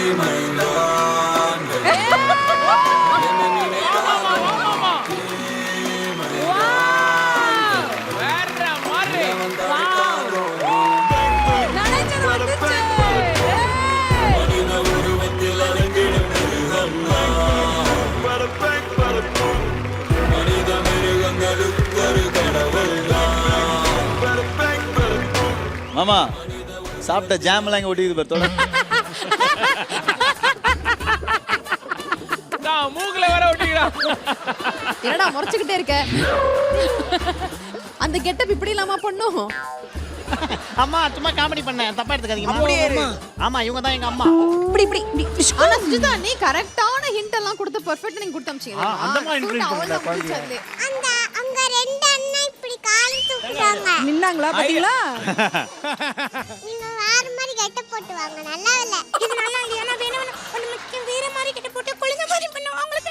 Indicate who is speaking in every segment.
Speaker 1: மாமா சாப்பிட்ட ஜாம்லாம் இங்க ஒட்டிக்குது பாரு.
Speaker 2: மூக்குல வர ஒட்டிக்கிறா.
Speaker 3: என்னடா முறைச்சுக்கிட்டே இருக்க? அந்த கெட்டப் இப்படி இல்லாம பண்ணும்.
Speaker 4: அம்மா சும்மா காமெடி பண்ணேன், தப்பா எடுத்துக்காதீங்க. ஆமா இவங்க தான் எங்க அம்மா.
Speaker 3: இப்படி ஆனா சுஜிதா நீ கரெக்டான ஹிண்ட் எல்லாம் கொடுத்து பெர்ஃபெக்ட்டா நீங்க கொடுத்து அம்ச்சீங்க.
Speaker 4: அந்த மாதிரி இன்ட்ரீஸ் பண்ணல குழந்தை.
Speaker 5: அந்த அங்க ரெண்டு அண்ணா இப்படி கால் தூக்குறாங்க.
Speaker 3: நின்னாங்களா பாத்தீங்களா?
Speaker 5: நீங்க வேற மாதிரி கெட்ட போட்டு வாங்க. நல்லா இல்ல. இது நல்லா இல்ல. انا வேணும் ஒன்னு மட்டும் வேற மாதிரி கெட்ட போட்டு குளிங்க மாதிரி பண்ணுவாங்க உங்களுக்கு.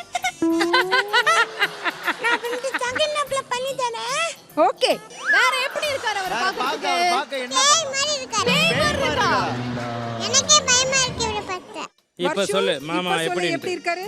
Speaker 5: நான் வந்து சங்கனப்ல பண்ணி தானே.
Speaker 3: ஓகே. வேற எப்படி இருக்காரு அவரை பாக்குறதுக்கு?
Speaker 5: பேய் மாதிரி இருக்காரு.
Speaker 3: பேய் மாதிரி இருக்கா?
Speaker 5: எனக்கே பயமா இருக்கு இவரை பார்த்தா.
Speaker 2: இப்ப சொல்லு மாமா எப்படி
Speaker 3: இருக்காரு?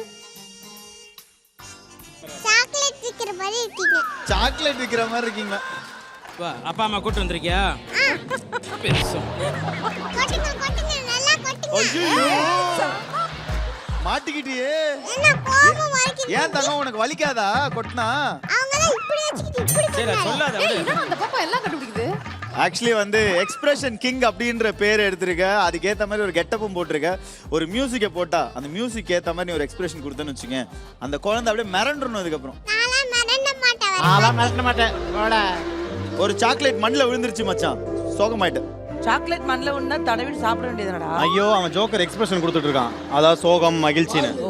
Speaker 5: சாக்லேட் விக்கிற மாதிரி இருக்கீங்க.
Speaker 1: சாக்லேட் விக்கிற மாதிரி இருக்கீங்க.
Speaker 2: வா அப்பா அம்மா கூட்டி வந்திருக்கியா? பெருசு.
Speaker 5: கொட்டுங்க நல்லா கொட்டுங்க.
Speaker 1: ஐயோ மாட்டிக்கிட்டியே.
Speaker 5: என்ன கோபம் வலிக்குது?
Speaker 1: ஏன் தங்கம் உனக்கு வலிக்காதா கொட்டினா?
Speaker 5: அவங்க தான் இப்படி வச்சிட்டு இப்படி
Speaker 2: சரி சொல்லாத
Speaker 3: ஏய்
Speaker 2: விடு.
Speaker 3: என்ன அந்த பாப்பா எல்லாம் கண்டுபிடிக்குது?
Speaker 1: ஆக்சுவலி வந்து எக்ஸ்பிரஷன் கிங் அப்படின்ற பேர் எடுத்திருக்க, அதுக்கு ஏத்த மாதிரி ஒரு கெட்டப்பும் போட்டிருக்க. ஒரு மியூசிக்கை போட்டா அந்த மியூசிக் ஏத்த மாதிரி நீ ஒரு எக்ஸ்பிரஷன் கொடுத்தேன்னு வச்சுங்க, அந்த குழந்தை அப்படியே மிரண்டுறணும். அதுக்கப்புறம்
Speaker 5: நான்லாம் மறந்த மாட்டேன்.
Speaker 4: அதெல்லாம் மறக்க மாட்டேன். போடா.
Speaker 1: ஒரு சாக்லேட் மண்ணில் விழுந்துருச்சு மச்சான், சோகமாயிட்டு.
Speaker 6: சாக்லேட் மண்ணில் ஒண்ணா தடவி சாப்பிட வேண்டியதுடா.
Speaker 7: ஐயோ அவன் ஜோக்கர் எக்ஸ்பிரஷன் கொடுத்துட்டு இருக்கான், அதாவது சோகம் மகிழ்ச்சின்னு.
Speaker 6: ஓ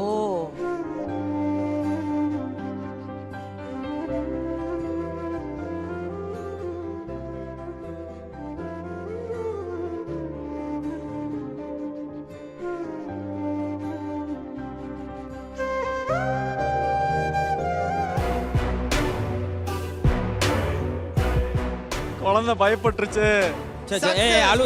Speaker 7: குழந்தை பயப்பட்டுருச்சு.
Speaker 2: ஏய் அழு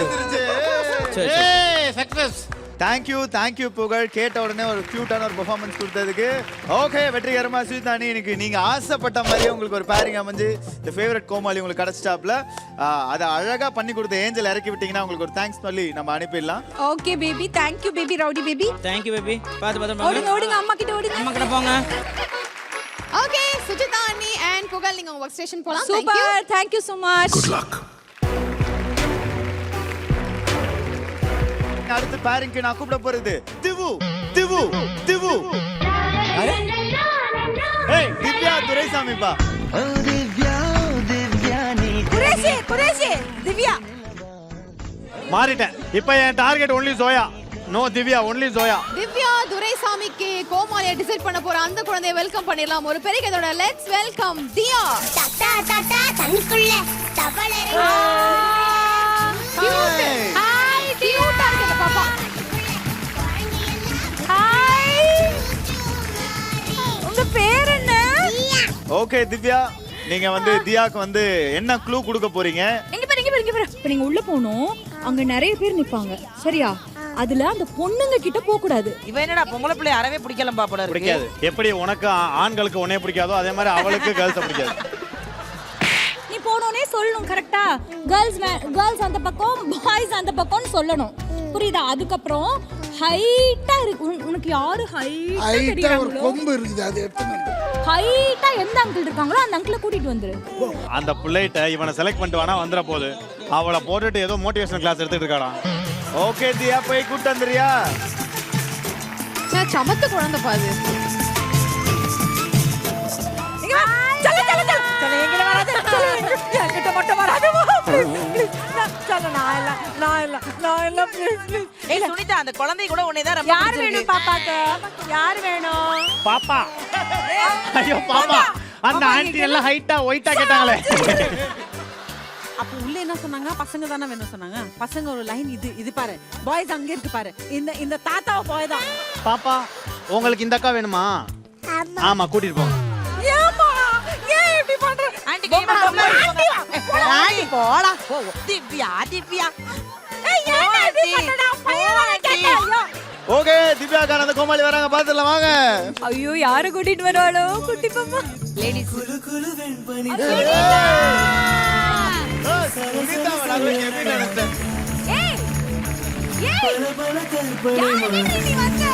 Speaker 4: சக்சஸ்.
Speaker 1: தேங்க்யூ புகழ். கேட்ட உடனே ஒரு கியூட்டான ஒரு பெர்ஃபார்மன்ஸ் கொடுத்ததுக்கு. ஓகே வெற்றிகரமா சுஜிதானி இன்னைக்கு நீங்க ஆசைப்பட்ட மாதிரியே உங்களுக்கு ஒரு பேரிங் அமைஞ்சு இந்த ஃபேவரட் கோமாளி உங்களுக்கு கிடைச்சிட்டாப்ல. அதை அழகா பண்ணி கொடுத்த ஏஞ்சல் இறக்கி விட்டீங்கன்னா உங்களுக்கு ஒரு தேங்க்ஸ் சொல்லி நம்ம அனுப்பிடலாம்.
Speaker 3: Okay baby, thank you baby, rowdy baby.
Speaker 2: Thank you baby. பாத்து
Speaker 3: ஓடுங்க அம்மா கிட்ட ஓடுங்க.
Speaker 2: அம்மா கிட்ட போங்க.
Speaker 3: ஓகே சுஜிதா அண்ணி அண்ட் புகழ் நீங்க ஒர்க் ஸ்டேஷன் போலாம். Super, thank you so much.
Speaker 8: Good luck.
Speaker 1: அடுத்து பேரிங்க்கு நான் கூப்பிட போறது திவு. ஏய் திவ்யா துரைசாமிப்பா.
Speaker 3: குரேஷி திவ்யா.
Speaker 7: மாறிட்டேன். இப்போ என் target only Zoya. No Divya, only Zoya.
Speaker 3: Divya துரைசாமிக்கு கோமாளியை டிசைட் பண்ண போற அந்த குழந்தையை வெல்கம் பண்ணிடலாம். ஒரு பெரிய கையோட லெட்ஸ் வெல்கம் தியா.
Speaker 5: தட்டா தண்ணிக்குள்ள தவளரை.
Speaker 3: ஹாய் கியூட்டா இருக்கு பாப்பா. ஹாய் உங்க பேர் என்ன?
Speaker 1: ஓகே திவ்யா, நீங்க வந்து தியாக்கு வந்து என்ன க்ளூ கொடுக்க போறீங்க?
Speaker 9: இங்க பாரு இப்ப நீங்க உள்ள போணும், அங்க நிறைய பேர் நிப்பாங்க சரியா? அதுல அந்த பொண்ணுங்க கிட்ட போக கூடாது.
Speaker 6: இவ என்னடா பொம்பளை பிள்ளை அறவே பிடிக்கலாம் பாப்பல இருக்கு.
Speaker 7: பிடிக்காது. எப்படி உனக்கு ஆண்களுக்கு உன்னை பிடிக்காதோ அதே மாதிரி அவளுக்கு கேர்ள்ஸ் பிடிக்காது.
Speaker 9: நீ போனோனே சொல்லணும் கரெக்ட்டா? கேர்ள்ஸ் அந்த பக்கம், பாய்ஸ் அந்த பக்கம்னு சொல்லணும். புரியுதா? அதுக்கப்புறம் ஹைட்டா இருக்கு. உனக்கு யாரு ஹைட்டா
Speaker 8: ஒரு கொம்பு இருக்குது, அது எடுத்து
Speaker 9: ஹைட்டா எந்த அங்கிள் இருக்காங்களோ அந்த அங்கிளை கூட்டிட்டு வந்துரு.
Speaker 7: அந்த பிள்ளைகிட்ட இவனை செலக்ட் பண்ணிட்டு வேணா வந்துட போகுது. அவளை போட்டுட்டு ஏதோ மோட்டிவேஷனல் கிளாஸ் எடுத்துட்டு இருக்காடா.
Speaker 1: ஓகே தியா போய் கூட்டு வந்துறியா?
Speaker 3: சமத்து குழந்தை பாது.
Speaker 6: சுனிதா அந்த குழந்தை கூட உன்னைதான் ரொம்ப
Speaker 9: யார் வேணும் பாப்பாக்கு? யார் வேணும்?
Speaker 7: பாப்பா. ஐயோ பாப்பா. அந்த ஆன்ட்டி எல்லாம் ஹைட்டா ஒயிட்டா கேட்டாங்களே.
Speaker 10: அப்ப உள்ள என்ன சொன்னாங்க? பசங்க தானே வேணும் சொன்னாங்க. பசங்க ஒரு லைன் இது பாரு, பாய்ஸ் அங்க இருக்கு பாரு. இந்த தாத்தாவை பாய் தான்.
Speaker 7: பாப்பா உங்களுக்கு இந்த அக்கா வேணுமா? ஆமா கூட்டிட்டு போங்க.
Speaker 10: ஏமா ஏன் இப்படி பண்ற?
Speaker 6: ஆன்ட்டி போடா திவ்யா.
Speaker 10: ஏய் ஏன் இப்படி பண்றடா? பையன் கேட்டா.
Speaker 1: திவ்யாக்கான அந்த கோமாளி வராங்க, பாத்துடலாம் வாங்க.
Speaker 9: ஐயோ யாரை கூட்டிட்டு வருவாளோ குட்டி பாப்பா
Speaker 3: லேடிஸ்
Speaker 1: சுனிதாவை நான் எப்படி நினைச்சேன்?
Speaker 9: ஏய் ஏய் யாரு நீ வந்த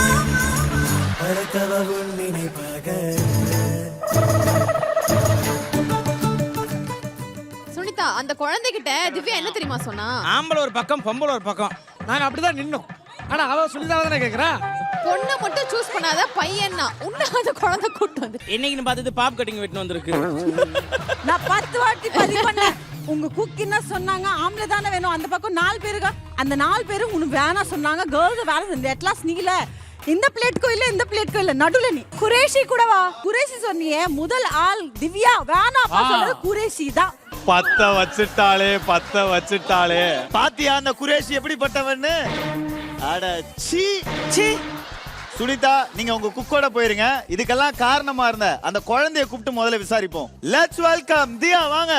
Speaker 3: சுனிதா அந்த குழந்தைகிட்ட திவ்யா என்ன தெரியுமா சொன்னா?
Speaker 2: ஆம்பளை ஒரு பக்கம் பொம்பளை ஒரு பக்கம்.
Speaker 8: நாங்க அப்படிதான் நின்னோம். ஆனா அவ சுனிதாவை தானே கேக்குறா.
Speaker 3: பொண்ணை மட்டும் சூஸ் பண்ணாத பையன்னா உன்ன அந்த குழந்தை கூட்டு வந்து
Speaker 2: என்னைக்குன்னு பார்த்துட்டு பாப் கட்டிங் வெட்டின்னு வந்திருக்கு.
Speaker 10: நான் 10 வாட்டி பதிவு பண்ணேன். உங்க குக் என்ன சொன்னாங்க? ஆம்பளை தானே வேணும். அந்த பக்கம் 4 பேருங்க. அந்த 4 பேரும் உனக்கு வேணாம் சொன்னாங்க. கேர்ள்ஸ் வேலை செஞ்சு அட்லாஸ் நீல இந்த பிளேட்கோ இல்ல இந்த பிளேட்கோ இல்ல நடுவுல நீ குரேஷி கூடவா? குரேஷி சொன்னியே முதல் ஆள் திவ்யா வேணாம் சொல்றது குரேஷி தான்.
Speaker 7: பத்த வச்சுட்டாளே.
Speaker 1: பாத்தியா அந்த குரேஷி எப்படிப்பட்டவன்னு? அட சீ சீ. சுனிதா நீங்க உங்க குக்கோட போயிருங்க. இதுக்கெல்லாம் காரணமா இருந்த அந்த குழந்தைய கூப்பிட்டு முதல்ல விசாரிப்போம். லெட்ஸ் வெல்கம் தியா, வாங்க.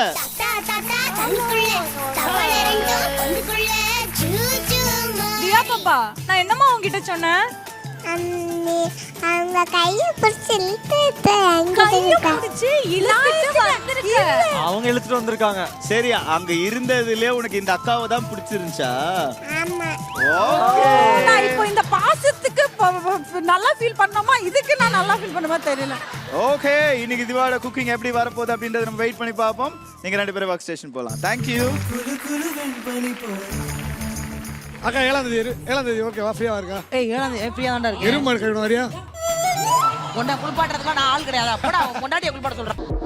Speaker 9: தியா பாப்பா நான் என்னம்மா உன்கிட்ட சொன்னேன்?
Speaker 5: அவங்க கையை பிடிச்சி
Speaker 9: கைய பிடிச்சு இழுத்துட்டு வந்திருக்க.
Speaker 8: அவங்க இழுத்துட்டு வந்திருக்காங்க.
Speaker 1: சரி, அங்க இருந்ததுலயே உனக்கு இந்த அக்காவை தான் பிடிச்சிருந்துச்சா?
Speaker 5: ஆமா.
Speaker 1: ஓகே.
Speaker 10: நான் இப்போ இந்த பாசத்துக்கு நல்லா ஃபீல் பண்ணோமா? இதுக்கு நான் நல்லா ஃபீல் பண்ணுமா தெரியல.
Speaker 1: ஓகே, இன்னைக்கு திவாட குக்கிங் எப்படி வரப்போகுது அப்படின்றத நம்ம வெயிட் பண்ணி பார்ப்போம். நீங்க 2 பேரும் ஒர்க் ஸ்டேஷன் போலாம். Thank you.
Speaker 8: அக்கா 7ஆம் தேதி ஓகேவா? ஃப்ரீயா இருக்கா?
Speaker 6: ஏய் ஃப்ரீயா தான்டா இருக்கு.
Speaker 8: எருமாடு கழுவின வரியா?
Speaker 6: உன்னை குளிப்பாட்டுறதுக்கு நான் ஆள் கிடையாது. அப்படா கொண்டாடிய குளிப்பாட்ட சொல்றேன்.